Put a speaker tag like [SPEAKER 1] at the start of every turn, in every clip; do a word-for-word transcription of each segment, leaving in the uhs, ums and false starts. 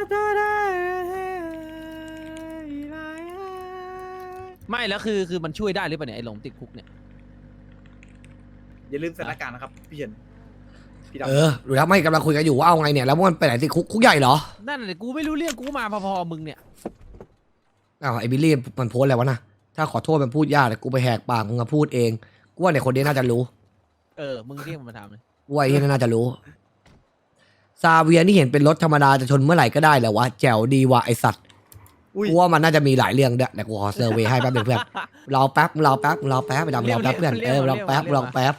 [SPEAKER 1] ไม่แล้วคือคือมันช่วยได้หรือเปล่าเนี่ยไอ้หลงติดคุกเนี่ย
[SPEAKER 2] อย่าลืมสถานการณ์นะครับพี่เฉินพี่ดำ
[SPEAKER 3] เออดูแล้วไม่กำลังคุยกันอยู่ว่าเอาไงเนี่ยแล้วมันไปไหนติดคุกคุกใหญ่เหรอ
[SPEAKER 1] นั่นเลยกูไม่รู้เรื่องกูมาพอๆมึงเนี่ย
[SPEAKER 3] อ้าวไอ้บิลลี่มันโพสอะไรวะนะถ้าขอโทษมันพูดยากเลยกูไปแหกปากมึงมาพูดเองกูว่าเนี่ยคนนี้น่าจะรู้
[SPEAKER 1] เออมึงเรียกมันมาถามเลย
[SPEAKER 3] กูว่าไอ้นี่น่าจะรู้ซาเวียนี่เห็นเป็นรถธรรมดาจะชนเมื่อไหร่ก็ได้แหละวะแจ๋วดีว่ะไอสัตว์
[SPEAKER 2] อุ้ย
[SPEAKER 3] กูว่ามันน่าจะมีหลายเรื่องด้วยแต่กูขอเซอร์เวย์ให้แป๊บนึงเพื่อนรอแป๊บรอแป๊บรอแป๊บไปดำรอแป๊บเพื่อนเออรอแป๊บรอแป๊บ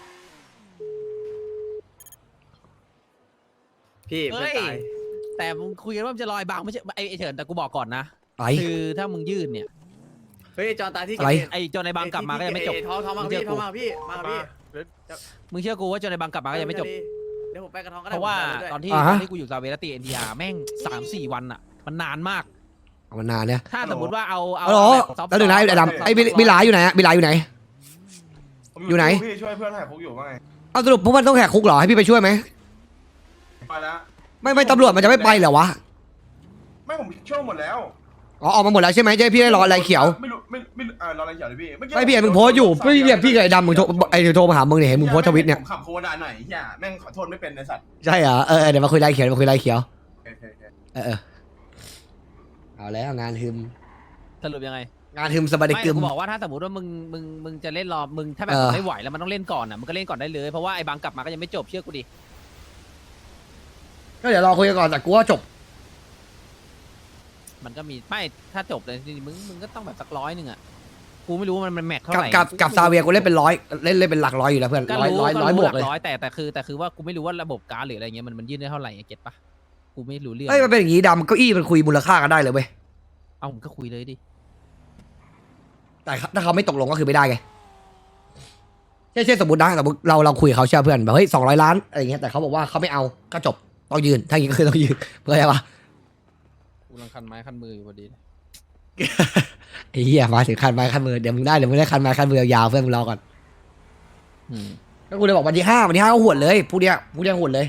[SPEAKER 2] พี่เพื่อนตาย
[SPEAKER 1] แต่มึงคุยกันว่ามันจะลอยบางไม่ใช่ไอ้ไอ้เฉินแต่กูบอกก่อนนะ
[SPEAKER 3] ไอ้
[SPEAKER 1] คือถ้ามึงยื่นเนี่ย
[SPEAKER 2] เฮ้ยจอนตายที่
[SPEAKER 3] อะไร
[SPEAKER 1] ไอ้จนในบางกลับมาก็ยังไม่จบ
[SPEAKER 2] ท้องท้องมาพี่ท้องมาพี่มาพี่
[SPEAKER 1] มึงเชื่อกูว่าจนในบางกลับมาก็ยังไม่จบ
[SPEAKER 2] เดี๋ยวผมไปกระท้องก็ได้
[SPEAKER 1] เพราะว่าตอนที่
[SPEAKER 3] อ่า
[SPEAKER 1] ต
[SPEAKER 3] ฮะ
[SPEAKER 1] อนที่กูอยู่ซาเวลตีเอ็นทีอาร์แม่งสามสี่วันอ่ะมันนานมาก
[SPEAKER 3] เอามานานเนี่ย
[SPEAKER 1] ถ้าสมมติว่าเอาเอา
[SPEAKER 3] ฮัลโหล
[SPEAKER 1] แบบซอฟต์
[SPEAKER 3] แล้วหนึ่งนะไอ้ดำไอ้บิลบิลลาอยู่ไหนอะบิลลาอยู่ไหน
[SPEAKER 4] ผม
[SPEAKER 3] อยู่ไหน
[SPEAKER 4] พี่ช่วยเพื่อนแหกคุกอยู่ว่าไง
[SPEAKER 3] เอาสรุปพวกมันต้องแหกคุกเหรอให้พี่ไปช่วยไหม
[SPEAKER 4] ไปแล้ว
[SPEAKER 3] ไม่ไม่ตำรวจมันจะไม่ไปเหรอวะ
[SPEAKER 4] ไม่ผมช่วยหมดแล้ว
[SPEAKER 3] อ๋อออกมาหมดแล้วใช่ไหมเจ๊พี่ได้รออะไรเขียว
[SPEAKER 4] ไม่รู้ไม่ไม่อ่ารออะไรเขียวเลยพี่เมื่อกี้
[SPEAKER 3] ไม่พี่เห็นมึงโพสต์อยู่พี่เรียกพี่กับไอ้ดำมึงโทรไอ้โทรมาหามึงเนี่ยเห็นมึงโพสต์ทวิตเนี่ย
[SPEAKER 4] ผมขับโคดาหน่อยเฮียแม่งขอโทษไม่เป็นในสัตว์
[SPEAKER 3] ใช่เหรอเออเออเดี๋ยวมาคุยรายเขียวมาคุยรายเขียว
[SPEAKER 4] โอเคโอเคโอเค
[SPEAKER 3] เออเออเอาแล้วงานฮึม
[SPEAKER 1] สรุปยังไง
[SPEAKER 3] งานฮึมสบายดี
[SPEAKER 1] ไม่
[SPEAKER 3] กึม
[SPEAKER 1] กูบอกว่าถ้าสมมติว่ามึงมึงมึงจะเล่นรอมึงถ้าแบบ
[SPEAKER 3] เออ
[SPEAKER 1] ไม่ไหวแล้วมันต้องเล่นก่อนอ่ะมึงก็เล่นก่อนได้เลยเพราะว่าไอ้บางกลับมาก็ยังไม่จบเชื่อกูดิ
[SPEAKER 3] ก็เดี๋ยวรอคุยกันก่อนแต่กูว่าจบ
[SPEAKER 1] มันก็มีไม่ถ้าจบเลยจริงๆมึงมึงก็ต้องแบบสักร้อยหนึ่งอ่ะกูไม่รู้ว่ามันมันแม็กเท่า
[SPEAKER 3] กับ
[SPEAKER 1] ไหร่
[SPEAKER 3] กับกับซาเวียกูเล่นเป็นร้อยเล่นเล่นเป็นหลักร้อยอยู่แล้วเพื่อน
[SPEAKER 1] ก็
[SPEAKER 3] ร้อย
[SPEAKER 1] รู้
[SPEAKER 3] ร้อย
[SPEAKER 1] ก็
[SPEAKER 3] ร้อยบ
[SPEAKER 1] รู้
[SPEAKER 3] ว
[SPEAKER 1] ห
[SPEAKER 3] ก
[SPEAKER 1] ลั
[SPEAKER 3] เลย
[SPEAKER 1] กร้อยแต่แต่คือแต่คือว่ากูไม่รู้ว่าระบบการ์ดหรืออะไรเงี้ยมันมันยื่นได้เท่าไหร่อะเก็ตปะกูไม่รู้เรื่อง
[SPEAKER 3] เอ้ยมันเป็นอย่างงี้ดำเก้าอี้มันคุยมูลค่ากันได้เลยเว้ย
[SPEAKER 1] เอาผมก็คุยเลยดิ
[SPEAKER 3] แต่ถ้าเขาไม่ตกลงก็คือไม่ได้ไงเช่นเช่นสมมตินะสมมติเราเราคุยกับเขาเชื่อเพื่อนแบบเฮ้ยสองร้อยล้านอะไรเงี้ยแต่เขาบอกว่าเขาไม่เอาก็จบต้องยืนถ้าอย่างงี้ก็คือต้องยืนเพื่ออะไรวะ
[SPEAKER 1] กูรังคันไม้คันมืออยู่พอดี
[SPEAKER 3] ไอ้เหี้ยมาถึงคันไม้คันมือเดี๋ยวมึงได้เดี๋ยวมึงได้คันไม้คันมือยาวๆเพื่อนมึงรอก่อน
[SPEAKER 1] อืม
[SPEAKER 3] ก็กูเลยบอกวันที่ห้าวันที่ห้าก็หวดเลยพรุ่งเนี้ยพรุ่งเนี้ยหวดเลย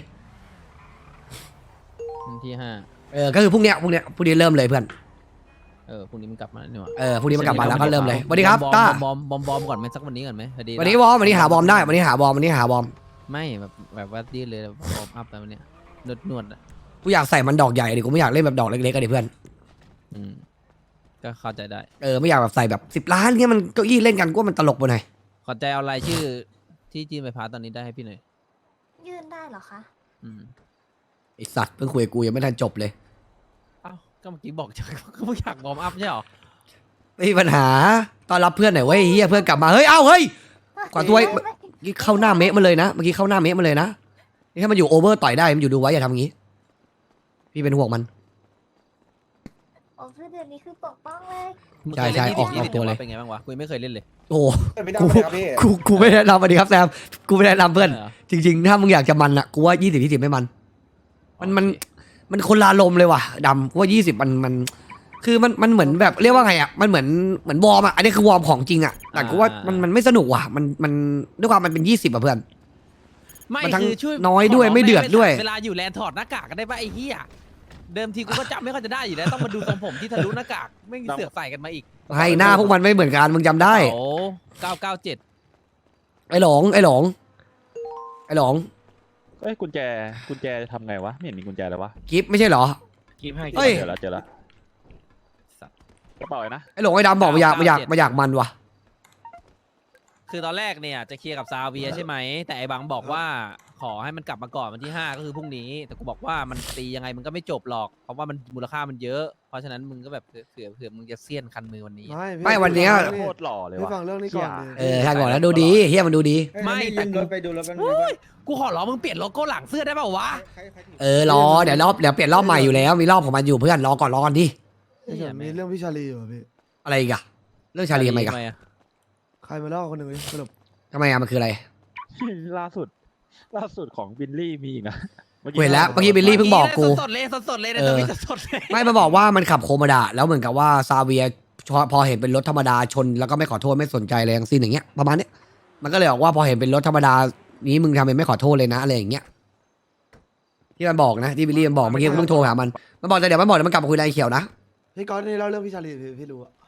[SPEAKER 1] วันที่ห้า
[SPEAKER 3] เออก็คือพรุ่งเนี้ยพรุ่งเนี้ยพรุ่งนี้เริ่มเลยเพื่อน
[SPEAKER 1] เออพรุ่งนี้มันกลับมาเนี่ยว่ะ
[SPEAKER 3] เออพรุ่งนี้มันกลับมาแล้วก็เริ่มเลยสวัสดีครับ
[SPEAKER 1] อม
[SPEAKER 3] ต้า
[SPEAKER 1] บอมบอมบอมก่อนไหมสักวันนี้ก่อนไหมพอดี
[SPEAKER 3] วันนี้วอร์มวันนี้หาบอมได้วันนี้หาบอมวันนี้หาบอม
[SPEAKER 1] ไม่แบบแบบว่าดีเลยบอมอัพไปวันเนี้ยนวดนวดอะ
[SPEAKER 3] กูอยากใส่มันดอกใหญ่ดิกูไม่อยากเล่นแบบดอกเล็กๆกันดิเพื่อน
[SPEAKER 1] อืมก็เข้าใจได้
[SPEAKER 3] เออไม่อยากแบบใส่แบบสิบล้านเงี้ยมันเก้าอี้เล่นกันกูว่ามันตลกไปหน่อย
[SPEAKER 1] ขอใจเอารายชื่อที่จีนไปพาตอนนี้ได้ให้พี่หน่อย
[SPEAKER 5] ยื่นได้เหรอคะ
[SPEAKER 1] อืม
[SPEAKER 3] ไอสัตว์เพิ่งคุยกับกูยังไม่ทันจบเลย
[SPEAKER 1] เอ้าก็เมื่อกี้บอกจะก็ไม่อยากบอมอัพใช่หรอ
[SPEAKER 3] ไม่มีปัญหาต้อนรับเพื่อนหน่อยเว้ยเฮียเพื่อนกลับมาเฮ้ยเอ้าเฮ้ย กว่าตัว
[SPEAKER 5] ไม่ไม่
[SPEAKER 3] เมื่อกี้เข้าหน้าเมะมาเลยนะเมื่อกี้เข้าหน้าเมะมาเลยนะนี่ถ้ามันอยู่โอเวอร์ต่อยได้มันอยู่ดูไว้อย่าทำอย่างงี้ พี่เป็นห่วงมัน
[SPEAKER 5] โอ้คือเดี๋ยวนี้คือปกป้องเลย
[SPEAKER 1] มึง
[SPEAKER 3] ใช่
[SPEAKER 1] เคย
[SPEAKER 3] ใช่
[SPEAKER 1] เล่น
[SPEAKER 3] ออก
[SPEAKER 1] ยี่
[SPEAKER 3] อ
[SPEAKER 1] สิ
[SPEAKER 3] อบ กตัวเลย
[SPEAKER 1] เป็นไงบ้างวะกูยังไม่เคยเล่นเลย
[SPEAKER 3] โอ้
[SPEAKER 4] ไม่ได้
[SPEAKER 3] กู
[SPEAKER 4] เลยครับพี่
[SPEAKER 3] กูกูไม่แนะนำสวัสดีครับแซมกูไม่แนะนำเพื่อน
[SPEAKER 1] หร
[SPEAKER 3] จริงๆ ถ้ามึงอยากจะมันอะกูว่ายี่สิบยี่สิบไม่มัน มันมันมันคนละลมณ์เลยว่ะดำกูว่ายี่สิบมันมัน คือมันมันเหมือนแบบเรียกว่าไงอะมันเหมือนเหมือนวอร์มอะอันนี้คือวอร์มของจริงอะแต่กูว่ามันมันไม่สนุกว่ะมันมันด้วยความมันเป็นยี่สิบอะเพื่อน
[SPEAKER 1] ไม่
[SPEAKER 3] มันทั้ง
[SPEAKER 1] คือช่วย
[SPEAKER 3] น้อยด้วย
[SPEAKER 1] ขร้ง
[SPEAKER 3] ไม่เดือดด้วย
[SPEAKER 1] เวลาอยู่แลนด์ถอดหน้ากากกันได้ปะไอ้เหี้ยเดิมทีกูก็จำไม่ค่อยจะได้อยู่แล้วต้องมาดูทรงผมที่ทะลุหน้ากากไม่เสือกใส่กันมาอีก
[SPEAKER 3] ให้หน้าพวกมันไม่เหมือนกันมึงจำได้
[SPEAKER 1] โอ้เก้าเก้าเจ็ด
[SPEAKER 3] ไอ้หลงไอ้หลงไอ้หลง
[SPEAKER 6] เอ้ยกุญแจกุญแจทำไงวะไม่เห็นมีกุญแจเลยวะ
[SPEAKER 3] กิฟไม่ใช่เหรอ
[SPEAKER 1] กิฟให้
[SPEAKER 3] เฮ้ย
[SPEAKER 6] เจอแล้วเจอแล้วกระเป๋าไอ้นะ
[SPEAKER 3] ไอ้หลงไอ้ดำบอกมาอยากมาอยากมาอยากมันว่ะ
[SPEAKER 1] คือตอนแรกเนี่ยจะเคลียร์กับซาเวียใช่ไหมแต่ไอ้บังบอกว่าขอให้มันกลับมาก่อนวันที่ห้าก็คือพรุ่งนี้แต่กูบอกว่ามันตียังไงมันก็ไม่จบหรอกเพราะว่ามันมูลค่ามันเยอะเพราะฉะนั้นมึงก็แบบเผื่อเผื่อเผื่อมึงจะเสี้ยนคันมือวันนี้
[SPEAKER 7] ไม่พี่
[SPEAKER 3] ไม่วันเนี้ย
[SPEAKER 6] โคตรหล่อเลย
[SPEAKER 7] พี่
[SPEAKER 6] วะ
[SPEAKER 7] ฟังเรื่องนี้ก่อน
[SPEAKER 3] เออท่านบอกแล้วดูดีเฮียมันดูดี
[SPEAKER 1] ไม่แต่กูไปดูแล้วมันกูขอร้องมึงเปลี่ยนโลโก้หลังเสื้อได้เปล่าวะ
[SPEAKER 3] เออรอเดี๋ยวรอบเดี๋ยวเปลี่ยนรอบใหม่อยู่แล้วมีรอบของมันอยู่เพื่อนรอก่อนรอก่อนดิ
[SPEAKER 7] พี่เฉินมีเรื่องพี่ชาลีอยู่อะพี่
[SPEAKER 3] อะไรอีกอะเรื่องชาลีทำไมกัน
[SPEAKER 1] ทำอะ
[SPEAKER 7] ใครมาเล่าคนหนึ่งเลยสรุป
[SPEAKER 3] ทำไมอะมันคืออะไร
[SPEAKER 6] ล่าสุด ล่าสุดของบิลลี่มีอีกนะ
[SPEAKER 3] กูเห็นแล้วเมื่อกี้บิลลี่เพิ่งบอกกู
[SPEAKER 1] สดๆเลยสดๆเลยนะ
[SPEAKER 3] เออ
[SPEAKER 1] สดๆเลย
[SPEAKER 3] ไม่มาบอกว่ามันขับโคโมดาแล้วเหมือนกับว่าซาเวียพอพอเห็นเป็นรถธรรมดาชนแล้วก็ไม่ขอโทษไม่สนใจอะไรทั้งสิ้นอย่างเงี้ยประมาณเนี้ยมันก็เลยบอกว่าพอเห็นเป็นรถธรรมดานี้มึงทำไมไม่ขอโทษเลยนะอะไรอย่างเงี้ยที่มันบอกนะที่บิลลี่มันบอกเมื่อกี้กูเพิ่งโทรหามันมันบอกแต่เดี๋ยวมันบอกเดี๋ยวมันกลับมาคุยรายเขียวนะ
[SPEAKER 7] พี่ก๊อตนี่เล่าเรื่องพี่ชาลีพี่พี่รู้อะ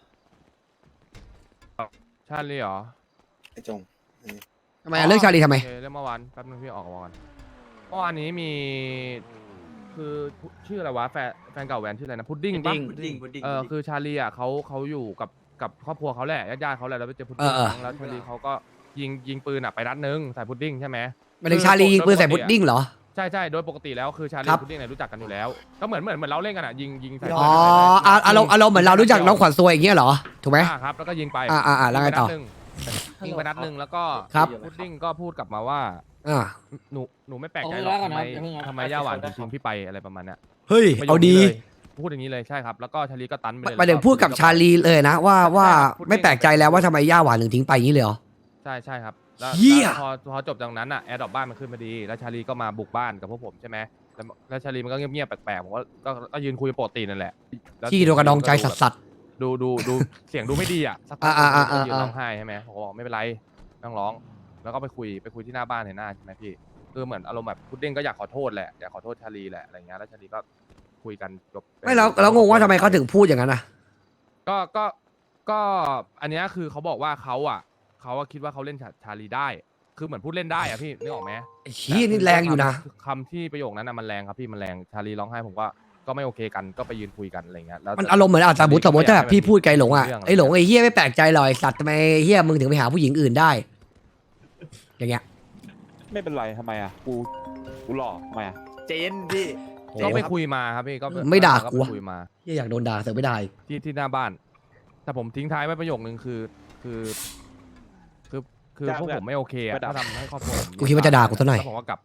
[SPEAKER 8] ชาลีเหรอ
[SPEAKER 2] ไอ้จง
[SPEAKER 3] ทำไมอะเรื่องชาลีทำไม
[SPEAKER 8] โอเคเรื่องเมื่อวานแป๊บนึงพี่ออกก่อนเมื่อวานนี้มี คือชื่ออะไรวะแฟนแฟนเก่าแวนชื่ออะไรนะพุดดิ้งปะ
[SPEAKER 2] พุดดิ้งพุดดิ้ง
[SPEAKER 8] เออคือชาลีอ่ะเขาเขาอยู่กับกับครอบครัวเขาแหละญาติๆเขาแหละแล้วไปเจอพุด
[SPEAKER 3] เอ
[SPEAKER 8] ดิ้
[SPEAKER 3] อง เออ
[SPEAKER 8] แล้วชาลีเขาก็ยิงยิงปืนอ่ะไปนัดนึงใส่พุดดิ้งใช่ไหม
[SPEAKER 3] หมายถึงชาลียิงปืนใส่พุดดิ้งเหรอ
[SPEAKER 8] ใช่ใช่โดยปกติแล้วคือชาลี
[SPEAKER 3] ครับ
[SPEAKER 8] พุดดิ้งเนี่ยรู้จักกันอยู่แล้ว ก็เหมือนเหมือนเหมือนเราเล่นกันอ่ะยิงยิงใส่
[SPEAKER 3] อ๋ออ่ะอารมณ์อารมณ์เหมือนเรารู้จักน้องขวัญซวยอย่างเงี้ยเหรอถูกไหม
[SPEAKER 8] อ่าครับแล้วก็ยิงไป
[SPEAKER 3] อ่าอ่าอ่าแล้วไงต่อ
[SPEAKER 8] ยิงไปนัดหนึ่งแล้วก็
[SPEAKER 3] ครับ
[SPEAKER 8] พุดดิ้งก็พูดกลับมาว่า
[SPEAKER 3] อ่า
[SPEAKER 8] หนูหนูไม่แปลกใจหรอกทำไมทำไมย่าหวานถึงทิ้งพี่ไปอะไรประมาณเนี้ย
[SPEAKER 3] เฮ้ย
[SPEAKER 8] ประโยค
[SPEAKER 3] เอาดี
[SPEAKER 8] นี้เลยพูดอย่างนี้เลยใช่ครับแล้วก็ชาลีก็ตันไปเลย
[SPEAKER 3] หมายถึงพูดกับชาลีเลยนะว่าว่าไม่แปลกใจแล้วว่าทำไมย่าหวานถึงทิ้งไปอย่างนี้เลยเหรอ
[SPEAKER 8] ใช่ใช่ครับแล้ว
[SPEAKER 3] เหี้ย
[SPEAKER 8] แล้วพอพอจบจากนั้นอ่ะแอร์ดรอปบ้านมันขึ้นมาดีแล้วชาลีก็มาบุกบ้านกับพวกผมใช่ไหมแล้วแล้วชาลีมันก็เงียบๆแปลกๆผมก็ก็ก็ยืนคุยปกตินั่นแหละแล้ว
[SPEAKER 3] ที่โดนกระดองใจสัสสัส
[SPEAKER 8] ดูดูดูเสียงดูไม่ดีอ่ะสักพั
[SPEAKER 3] อ่าอ่าอ่าอ่า
[SPEAKER 8] ยืนร้องไห้ใช่ไหมผมก็บอกไม่เป็นไรไม่ต้องร้องแล้วก็ไปคุยไปคุยที่หน้าบ้านเห็นหน้าใช่ไหมพี่คือเหมือนอารมณ์แบบพุดดิ้งก็อยากขอโทษแหละอยากขอโทษชาลีแหละอะไรเงี้ยแล้วชาลีก็คุยกันจบ
[SPEAKER 3] ไม่แล้วแล้วงงว่าทำไมเขาถึงพูดอย่างนั้นอ่ะ
[SPEAKER 8] ก็ก็ก็อันเนี้ยคือเขาบอกว่าเขาอ่ะเขาอะคิดว่าเขาเล่นชาชาลีได้ คือเหมือนพูดเล่นได้อ่ะพี่นึกออกไหม
[SPEAKER 3] ไอ้ชี้ยนี่แรงอยู่นะ
[SPEAKER 8] คำที่ประโยคนั้นน่ะมันแรงครับพี่มันแรงชาลีร้องไห้ผมก็ก็ไม่โอเคกันก็ไปยืนคุยกันอะไรเงี้ยแล้ว
[SPEAKER 3] มันอารมณ์เหมือนอ่ะสมมติสมมติถ้าแบบพี่พูดไกลหลงอ่ะไอ้หลงไอ้เฮียไม่แปลกใจหรอกไอ้สัตว์ทำไมเฮียมึงถึงไปหาผู้หญิงอื่นได้ อย่างเงี้ย
[SPEAKER 6] ไม่เป็นไรทำไมอ่ะกูกูหล่อทำไมอ่ะ
[SPEAKER 2] เจนพี่
[SPEAKER 8] ก็ไปคุยมาครับพี่ก็
[SPEAKER 3] ไม่ด่ากู
[SPEAKER 8] ก็
[SPEAKER 3] วะ
[SPEAKER 8] ไปคุยมา
[SPEAKER 3] เฮียอยากโดนด่าเสือกไม่ได้
[SPEAKER 8] ที่ที่หน้าบ้าน แต่ผมทิ้งท้ายไว้ประโยคนึงคือคือคือคือพวกผมไม่โอเคอะถ้าทำให้ครอบครัวผม
[SPEAKER 3] กูคิดว่าจะด่ากูซะหน่อย
[SPEAKER 8] แล้วผมก็กลับ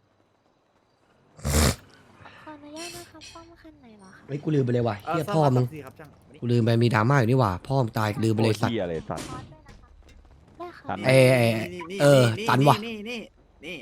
[SPEAKER 5] ขออนุญาตนะคะป้อมคันไหนเหรอคะ
[SPEAKER 3] เฮ้ยกูลืมไปเลยว่ะ
[SPEAKER 2] เอ่อ
[SPEAKER 3] เฮีย
[SPEAKER 2] สร้าง
[SPEAKER 3] พ่อ
[SPEAKER 2] บ้าน
[SPEAKER 3] มึง
[SPEAKER 2] สามสี่ครับจัง
[SPEAKER 3] กูลืมไปมีดราม่าอยู่นี่หว่าพ่อมึงตายลืมไปเลยสัตว์
[SPEAKER 6] เหี้ยเลยสัตว์
[SPEAKER 5] คอร์สด้วยนะคะได้ค่ะ
[SPEAKER 6] ตัน
[SPEAKER 3] เอ้ยเอ้ย
[SPEAKER 2] นี่นี่
[SPEAKER 3] เออ
[SPEAKER 2] นี่
[SPEAKER 3] ตันว่ะ
[SPEAKER 2] นี่นี่นี่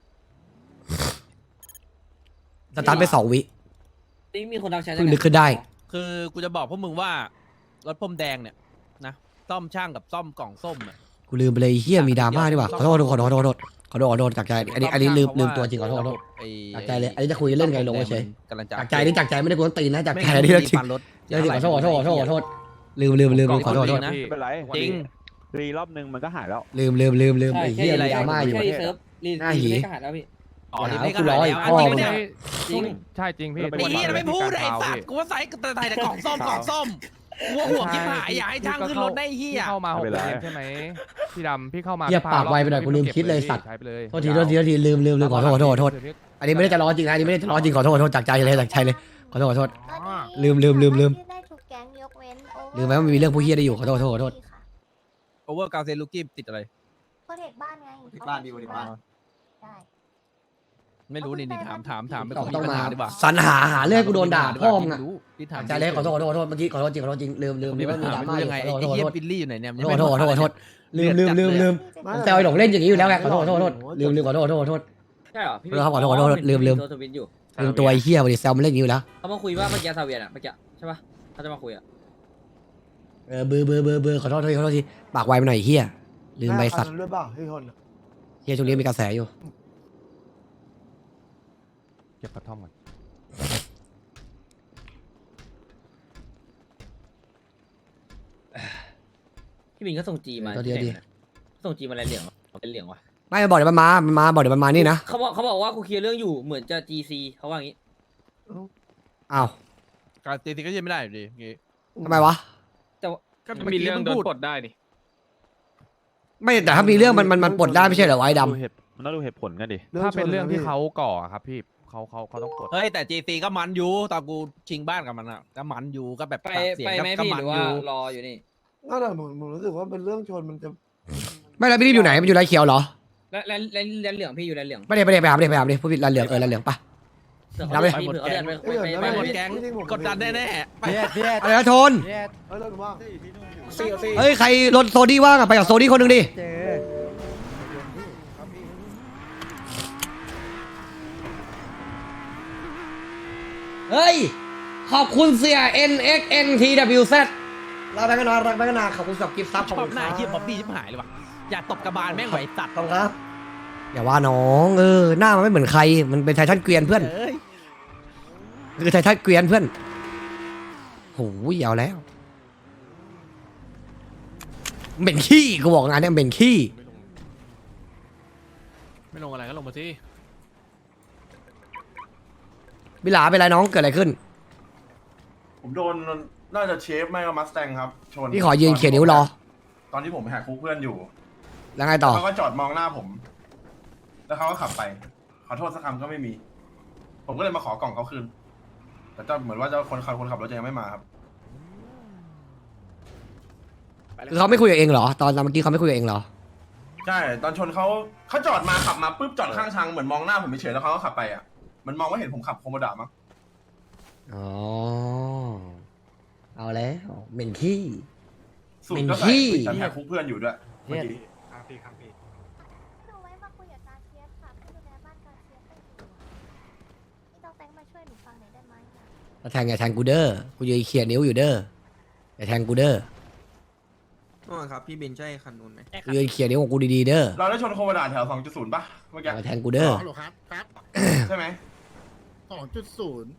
[SPEAKER 3] สตาร์ทไปสองวิ
[SPEAKER 9] นี่มีคนทักแชท
[SPEAKER 3] เพิ่งนึกขึ้นได้
[SPEAKER 1] คือกูจะบอกพวกมึงว่ารถพรมแดงเนี่ยนะซ่อมช่างกับซ่อมกล่องส้มอะ
[SPEAKER 3] กูลืมไปเลยเฮียมีดราม่าดีกว่าขอโทษขอโทษขอโทษขอโทษขอโทษขอโทษจากใจอันนี้อันนี้ลืมลืมตัวจริงขอโทษขอโทษ
[SPEAKER 1] ไอ้
[SPEAKER 3] จากใจเลยอันนี้จะคุยเล่นไงลงเฉย
[SPEAKER 1] กำลังจะ
[SPEAKER 3] จากใจนี่จากใจไม่ได้กูต้องตีนนะจากใจ
[SPEAKER 1] ไม่
[SPEAKER 3] นี่
[SPEAKER 1] งั้
[SPEAKER 3] เรื่องจริง
[SPEAKER 1] ปั่นรถ
[SPEAKER 3] เรื่องจริงขอโทษขอโทษขอโทษขอโทษลืมลืมลืมลืมขอโทษขอโทษ
[SPEAKER 1] นะ
[SPEAKER 8] พี่
[SPEAKER 6] ไม่เป็นไร
[SPEAKER 1] จริง
[SPEAKER 6] รีรอบนึงมันก็หายแล้ว
[SPEAKER 3] ลืมลืมลืมลืม
[SPEAKER 9] ใช่
[SPEAKER 3] ไอ้
[SPEAKER 9] แค่
[SPEAKER 3] เฮีย
[SPEAKER 1] อะไร
[SPEAKER 3] มีดราม่าอยู่
[SPEAKER 9] แค่รีเซิร์ฟรี
[SPEAKER 3] หน้าหี
[SPEAKER 9] รีไม่กระหัดแล้วพี่
[SPEAKER 1] อ๋อ
[SPEAKER 3] อย่า
[SPEAKER 1] นี่
[SPEAKER 3] หา
[SPEAKER 1] ก็
[SPEAKER 3] กูร้อย
[SPEAKER 1] หาย
[SPEAKER 3] พ่อ
[SPEAKER 1] แล้ว
[SPEAKER 3] มึง
[SPEAKER 1] เนี่ย
[SPEAKER 9] จริง
[SPEAKER 8] ใช่จริงพี่
[SPEAKER 6] แล้วเป็น
[SPEAKER 1] ไอ้
[SPEAKER 6] วัน
[SPEAKER 1] เหี้ย
[SPEAKER 6] ที่
[SPEAKER 1] ไม่พูดไอ้สัตว์กูว่าใส่แต่ใส่แต่กล่องส้มกล่องส้มหัวหัวกินหายอยากให้ช่างขึ้นรถได้เหี้ย
[SPEAKER 8] พี่เข้ามาหกเดือนใช่ไหมพี่ดำพี่เข้ามา
[SPEAKER 3] เหี้ยปากไวไปหน่อยกูลืมคิดเลยสัตว์
[SPEAKER 8] ใช้ไปเลย
[SPEAKER 3] โทษทีโทษทีโทษทีลืมลืมลืมขอโทษขอโทษขอโทษอันนี้ไม่ได้จะร้อนจริงนะอันนี้ไม่ได้จะร้อนจริงขอโทษขอโทษจากใจเลยจากใจเลยขอโทษขอโทษ
[SPEAKER 5] ตอนนี้
[SPEAKER 3] ลืมลืมลืมลืม
[SPEAKER 5] สาารถยื่นได้ทุกแก๊งยกเว้น over
[SPEAKER 3] ลืมไหมว่ามันมีเรื่องผู้เหี้ยได้อยู่ขอโทษขอโทษขอโทษ
[SPEAKER 5] ค่ะ
[SPEAKER 1] โอเวอร์กาเซลูกี้ติดอะไร
[SPEAKER 5] โปรเทคบ้านไง
[SPEAKER 2] โปรเทคบ้านดีโปรเทคบ้าน
[SPEAKER 5] ได้
[SPEAKER 1] ไม่รู้นี่นี่ถามถามถามไป
[SPEAKER 3] ต้อง
[SPEAKER 1] คน
[SPEAKER 3] ต้อง
[SPEAKER 1] ปัญ
[SPEAKER 3] มา
[SPEAKER 1] หาดีกว่า
[SPEAKER 3] สรรหาหาเรื่องกูโดนด่าพ่อมึงอะ
[SPEAKER 1] พี่ถาม
[SPEAKER 3] จากใจเลยขอโทษขอโทษขอโทษเมื่อกี้ขอโทษจริงขอโทษจริงลืมลืมลื
[SPEAKER 1] มี
[SPEAKER 3] ม
[SPEAKER 1] ปัญ
[SPEAKER 3] ว่ามี
[SPEAKER 1] หา
[SPEAKER 3] ดรา
[SPEAKER 1] ไม่
[SPEAKER 3] ม่า
[SPEAKER 1] รู้
[SPEAKER 3] อ
[SPEAKER 1] ยัง
[SPEAKER 3] ยู่
[SPEAKER 1] ไง
[SPEAKER 3] ขอ
[SPEAKER 1] ไอ้
[SPEAKER 3] โทษขอ
[SPEAKER 1] เหี้ย
[SPEAKER 3] โทษ
[SPEAKER 1] บิลลี่อยู่ไหนเนี่ย
[SPEAKER 3] ขอโทษขอโทษขอโทษลืมลืมลืมลืมผมแซวไอ้หลงเล่นอย่างนี้อยู่แล้วไงขอโทษขอโทษขอโทษลืมลืมขอโทษขอโทษขอโทษ
[SPEAKER 9] ใช่เหรอพี่
[SPEAKER 3] ขอโทษขอโทษขอโทษลืมลืม
[SPEAKER 9] โทรทวิตอยู่
[SPEAKER 3] ลืมตัวไอ้เหี้ยวันนี้แซวมันเล่นอย่างนี้อยู่แล้ว
[SPEAKER 9] เขามาคุยว่าเมื่อกี้ซาเวียนอ่ะเมื่อกี้ใช่ปะเขาจะมาคุยอ่ะ
[SPEAKER 3] เออเบอร์เบอร์เบอร์เบอร์ขอโทษขอโทษขอโทษทีปากไวไปหน่อยไอ้เหี้ยลืมใบสัตว์
[SPEAKER 7] อันนั้นด้วยเปล่าพี่คนอะ
[SPEAKER 3] เหี้ยช่วงนี้มีกระแสอยู่
[SPEAKER 8] เก็บกระท่อมก่อน
[SPEAKER 9] พี่บินก็ส่งจีมา
[SPEAKER 3] ตัวเดียวดิ
[SPEAKER 9] ส่งจีมาอะไรเหลืองวะเป็นเหลืองวะ
[SPEAKER 3] ไม่บอกเดี๋ยวมันมามันมาบอกเดี๋ยวมันมานี่นะ
[SPEAKER 9] เขาบอกเขาบอกว่ากูเคลียร์เรื่องอยู่เหมือนจะ จี ซี เขาว่าอย่างงี้
[SPEAKER 3] อ้าว
[SPEAKER 1] การตีตีก็ยังไม่ได้อยู่ดีอย่างงี้
[SPEAKER 3] ทำไมวะ
[SPEAKER 9] แต่ว่า
[SPEAKER 1] ก็มีเรื่องโดนปลดได้ดิ
[SPEAKER 3] ไม่แต่ถ้ามีเรื่องมันมันมันปลดได้ไม่ใช่เหรอวะไอ้ด
[SPEAKER 6] ดูเหตุมันต้องดูเหตุผลกันดิ
[SPEAKER 8] ถ้าเป็นเรื่องที่
[SPEAKER 7] ชนนะพี่
[SPEAKER 8] เขาก่ออะครับพี่เขาเขาเขาต้องปลด
[SPEAKER 1] เฮ้ยแต่จีซีก็มันอยู่ตอนกูชิงบ้านกับมันอ่ะก็มันอยู่ก็แบบ
[SPEAKER 9] ไป
[SPEAKER 1] ปากเสียง
[SPEAKER 9] ไป
[SPEAKER 1] ก็
[SPEAKER 9] ไหม
[SPEAKER 1] ก็
[SPEAKER 9] พี่
[SPEAKER 1] มั
[SPEAKER 9] ห
[SPEAKER 1] น
[SPEAKER 9] รือ
[SPEAKER 1] อ
[SPEAKER 9] ว่า
[SPEAKER 1] ยู่
[SPEAKER 9] รออยู่นี่
[SPEAKER 7] นั่นแหละผมผมรู้สึกว่าเป็นเรื่องชนมันจะ
[SPEAKER 3] ำไม่แล้วพี่รีบอยู่ไหนมันอยู่ไรเขียวเหรอ
[SPEAKER 9] แล้วแล้วแล้วแล้วเหลืองพี่อยู่แล้วเหลือง
[SPEAKER 3] ไม่ได้ไม่ได้ไปหาไม่ได้ไปหาไม่ได้พูดผิดลานเหลืองเออลานเหลืองปะ
[SPEAKER 9] เสือ
[SPEAKER 3] รับ
[SPEAKER 9] เขา
[SPEAKER 3] เลย
[SPEAKER 9] เดินไปเดินไปไป
[SPEAKER 1] ไป
[SPEAKER 9] ไป
[SPEAKER 1] หมด
[SPEAKER 9] ไป
[SPEAKER 1] แก๊งกดดันแน่ๆไป
[SPEAKER 3] อะไรนะโทน
[SPEAKER 7] เอ้ยแล้วหนูว่า
[SPEAKER 2] ซี่ซี่
[SPEAKER 3] เฮ้ยใครรถโซดี้ว่างอะไปกับโซดี้คนหนึ่งดิเฮ้ยขอบคุณเสีย เอ็น เอ็กซ์ เอ็น ที ดับเบิลยู แซด ลาไปกันนานรักไปกันนานขอบคุณสำหรับกิฟต์ซับ
[SPEAKER 1] ชอบหน้าเฮียบ๊อบบี้ชิบหายเลยว่ะอย่าตบกระบาลแม่งไหวตัด
[SPEAKER 3] ขอบคุณครับ อย่าว่าน้องเออหน้ามันไม่เหมือนใครมันเป็นไททันเกวียนเพื่อน
[SPEAKER 1] เอ้ย
[SPEAKER 3] คือไททันเกวียนเพื่อนโหยาวแล้วเหม็นขี้กูบอกงานเนี่ยเหม็นขี้
[SPEAKER 1] ไม่ลงอะไรก็ลงมาสิ
[SPEAKER 3] วิลาเป็นไรน้องเกิดอะไรขึ้น
[SPEAKER 4] ผมโดนน่าจะเชฟไม่ก็มัสแตงครับชน
[SPEAKER 3] พี่ขอยืนเขียนนิ้วรอ
[SPEAKER 4] ตอนที่ผมไปหาคุกเพื่อนอยู่
[SPEAKER 3] แล้วไงต่อ
[SPEAKER 4] เขาก็จอดมองหน้าผม แล้วเขาก็ขับไป ขอโทษสักคำก็ไม่มี ผมก็เลยมาขอกล่องเขาคืน แต่เจ้าเหมือนว่าเจ้าคนขับคนขับรถจะยังไม่มาครับ
[SPEAKER 3] คือเขาไม่คุยกับเองเหรอ ตอนตอนเมื่อกี้เขาไม่คุยกับเองเหรอ
[SPEAKER 4] ใช่ ตอนชนเขาเขาจอดมาขับมาปุ๊บจอดข้างทางเหมือนมองหน้าผมเฉยๆแล้วเขาก็ขับไปอ่ะ มันมองว่าเห็นผมขับโคโมดามั้ง
[SPEAKER 3] อ๋อ เอาแล้วเหม็นขี้
[SPEAKER 4] สูตรก็ใส่
[SPEAKER 3] เป็นที่
[SPEAKER 4] แต่แหกคุกเพื่อนอยู่ด้วยเมื่อกี้
[SPEAKER 5] หนูไว้มาคุยกับการเชียร์ค่ะผู้ดูแลบ้านการเชียร์ให้หนูนี่ต้องแตงมาช่วยหนูฟังหน่อยได้ไหมอะ
[SPEAKER 3] ถ้าแทงอย่าแทงกูเด้อ กูยืนเขียนนิ้วอยู่เด้อ อย่าแทงกูเด้อ
[SPEAKER 10] อ๋อครับ พี่เบนใช่คันนู้นไหม
[SPEAKER 3] กูยืนเขียนนิ้วของกูดีๆเด้อ
[SPEAKER 4] เราได้ชนโคโมดาแถว สองจุดศูนย์ ป่ะเมื่อ
[SPEAKER 3] อ
[SPEAKER 4] กี้
[SPEAKER 3] ย่าแทงกูเด้อ
[SPEAKER 7] ฮัลโหลครับครับ
[SPEAKER 4] ใช่ไหม
[SPEAKER 7] สองจุดศูนย์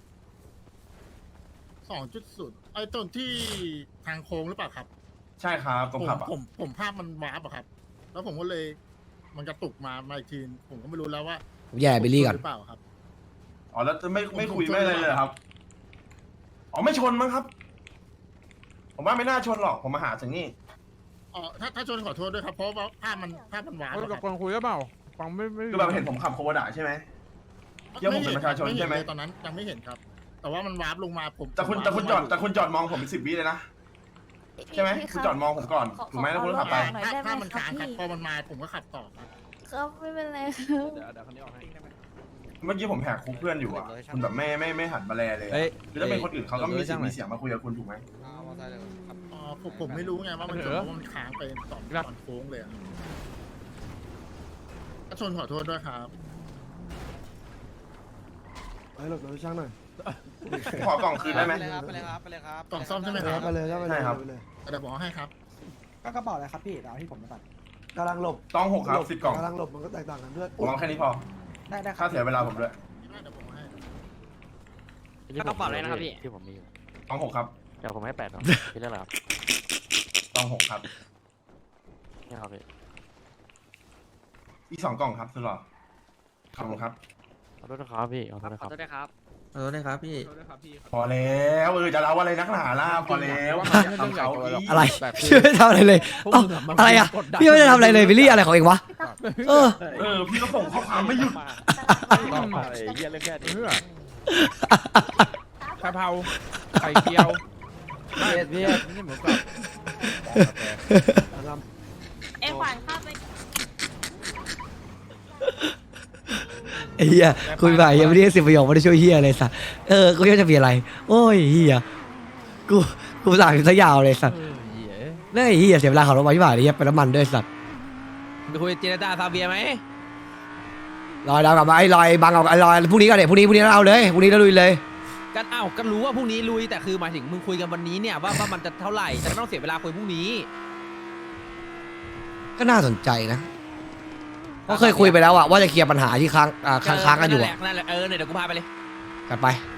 [SPEAKER 7] สองจุดศูนย์ไอ้ตรงที่ทางโค้งหรือเปล่าครับ
[SPEAKER 4] ใช่ครับตรงขับอ่ะ
[SPEAKER 7] ผมผมภาพมันวาร์ปอะครับ แล้วผมก็เลยมันกระตุกมามาอีกทีผมก็ไม่รู้แล้วว่า
[SPEAKER 3] ผมแย่บิลลี่ก่อน
[SPEAKER 7] หรือเปล่าครับ
[SPEAKER 4] อ๋อแล้วจะไม่ไม่คุย
[SPEAKER 7] ผมชน
[SPEAKER 4] ไม่อะไรเลยเหรอครับ อ๋อไม่ชนมั้งครับ ผมว่าไม่น่าชนหรอก ผมมาหาถึงนี่
[SPEAKER 7] อ๋อถ้าถ้าชนขอโทษด้วยครับ เพราะว่าภาพมันภาพมันวาร์ป
[SPEAKER 6] เฮ้ย
[SPEAKER 7] อะ
[SPEAKER 6] กับ
[SPEAKER 7] ครับ
[SPEAKER 6] กองคุยหรือเปล่าฟังไม่ไม่
[SPEAKER 4] คือแบบเห็นผมขับโคโมดาใช่ไหม เดี๋ยวผมเป็นประชาชน
[SPEAKER 7] ไเ
[SPEAKER 4] ใช่ไหม
[SPEAKER 7] เลยตอนนั้นยังไม่เห็นครับ แต่ว่ามันวาร์ปลงมาผม
[SPEAKER 4] แต่คุณ
[SPEAKER 7] ผม
[SPEAKER 4] แต่คุณจอด
[SPEAKER 7] วาร์ปลงมา
[SPEAKER 4] แต่คุณจอดมองผมเป็นสิบวิเลยนะ ใช่ไหม
[SPEAKER 5] พี่
[SPEAKER 4] คุณ
[SPEAKER 5] รับ
[SPEAKER 4] จอดมองผมก่อน
[SPEAKER 5] ขอ
[SPEAKER 4] ถูกไหม
[SPEAKER 5] ขอ
[SPEAKER 4] แล้วคุณก็ขับไป
[SPEAKER 5] หน่อย
[SPEAKER 7] ถ้า
[SPEAKER 5] ได้ไหม
[SPEAKER 7] ถ้ามัน
[SPEAKER 5] ครับ
[SPEAKER 7] ค้างครับ
[SPEAKER 5] พี่
[SPEAKER 7] พอมันมาผมก็ขับต่อครับ
[SPEAKER 5] ครับไม่เป็นไรครับ
[SPEAKER 1] เดี๋ยวเดี๋ยวคันนี้ออกให้
[SPEAKER 4] เมื่อกี้ผมแหกคุกเพื่อนอยู่อ่ะ คุณแบบไม่ไม่ไม่หันมาแลเลยอะ
[SPEAKER 1] เฮ้ย
[SPEAKER 4] หรือถ้าเป็นคนอื่นเขาก็มี
[SPEAKER 1] เดี๋ยว
[SPEAKER 4] สิทธิ์
[SPEAKER 1] เดี๋ยว
[SPEAKER 4] มีเสียงมาคุยกับคุณถูกไหม
[SPEAKER 7] อ๋อผมผมไม่รู้ไงว่ามันชนเพราะว่ามันค้างไปตอนตอนโค้งเลยอะถ้าชนขอโทษด้วยครับ
[SPEAKER 10] ไอ้หลบหน่อยช่างหน่อย
[SPEAKER 4] ขอกล่องคืนได้ไหม
[SPEAKER 10] ไปเลยครับ ไปเลยครับ
[SPEAKER 7] กล่องซ่อมใช่ไหมครับ
[SPEAKER 10] ไปเลยครับไปเลย
[SPEAKER 4] ใช่ครับ
[SPEAKER 10] ไปเลย
[SPEAKER 7] เดี๋ยวผมเอาให้ครับ
[SPEAKER 10] ก็กระเป๋าอะไรครับพี่เอาที่ผมไปก่อนกำลังหลบ
[SPEAKER 4] ต้องหกครับสิบกล่อง
[SPEAKER 10] กำลังหลบมันก็แตกต่างกันด้วย
[SPEAKER 4] ผมเอาแค่นี้พอ
[SPEAKER 10] ได้ได้ครั
[SPEAKER 4] ค่าเสียเวลาผมด้วย
[SPEAKER 7] เดี๋ยวผมเอาให้
[SPEAKER 9] กระเป๋าอะไรนะครับพี่
[SPEAKER 6] ที่ผมมีอยู่
[SPEAKER 4] ต้องหกครับ
[SPEAKER 6] เดี๋ยวผมให้แปดเนาะพี่เรียกอะไรครับ
[SPEAKER 4] ต้องหกครับ
[SPEAKER 6] นี่ครับพี่
[SPEAKER 4] อีกสองกล่องครับสุดหรอขอบคุณครับ
[SPEAKER 6] ขอโทษนะครับพี่ขอโทษนะ
[SPEAKER 9] ข
[SPEAKER 6] ค
[SPEAKER 9] อ
[SPEAKER 6] รับ
[SPEAKER 9] โทษด้วยครับ
[SPEAKER 10] ขอโทษนะครับพี่
[SPEAKER 4] พอแล้วเออจะเล่าอะไรนักหนาล่ะพอแล้วทำเขาอีก
[SPEAKER 3] อะไร พี่ไม่ได้ทำอะไรเลยเอ้าอะไรอ่ะ พี่ไม่ได้ทำอะไรเลยบิลลี่อะไรของเองวะ เออ
[SPEAKER 4] เออพี่ก็ส่งข้อความไม่หยุด
[SPEAKER 6] ต้องมาไอ้เหี้ยเรื่องแค่นี้
[SPEAKER 1] กะเพราไข่เจียว
[SPEAKER 6] เพียดเพียดนี่เหมือนกับ
[SPEAKER 5] เอ็งขวานข้าไป
[SPEAKER 3] ไอ้เหี้ยคุยไปยังไม่ได้สิบประโยคไม่ได้ช่วยเหี้ยเลยสัสเออ กูยังจะมีอะไร โอ้ยเหี้ย กู กูสั่งซะยาวเลยสัส
[SPEAKER 1] เออเหี้ย
[SPEAKER 3] เรื่องไอ้เหี้ยเสียเวลาขับรถมาที่บ้านไอ้เหี้ยเป็นน้ำมันด้วยสัส
[SPEAKER 1] ไปคุยเจรจาซาเบียไหม
[SPEAKER 3] ลอยดาวกลับมาไอ้ลอยบังเอาไอ้ลอยพรุ่งนี้ก็เดี๋ยวพรุ่งนี้พรุ่งนี้เราเอาเลยพรุ่งนี้เราลุยเลย
[SPEAKER 1] กันอ้าวก็รู้ว่าพรุ่งนี้ลุยแต่คือหมายถึงมึงคุยกันวันนี้เนี่ยว่าว่ามันจะเท่าไหร่จะไม่ต้องเสียเวลาคุยพรุ่งนี้
[SPEAKER 3] ก็น่าสนใจนะเพราะเคยคุยไปแล้วอะว่าจะเคลียร์ปัญหาที่ค้างอ่าค้างค้างกันอยู่
[SPEAKER 1] นั่นแห
[SPEAKER 3] อะ
[SPEAKER 1] ละนั่นแหละเออเนี่ยเดี๋ยวกูพาไปเลย
[SPEAKER 3] กันไป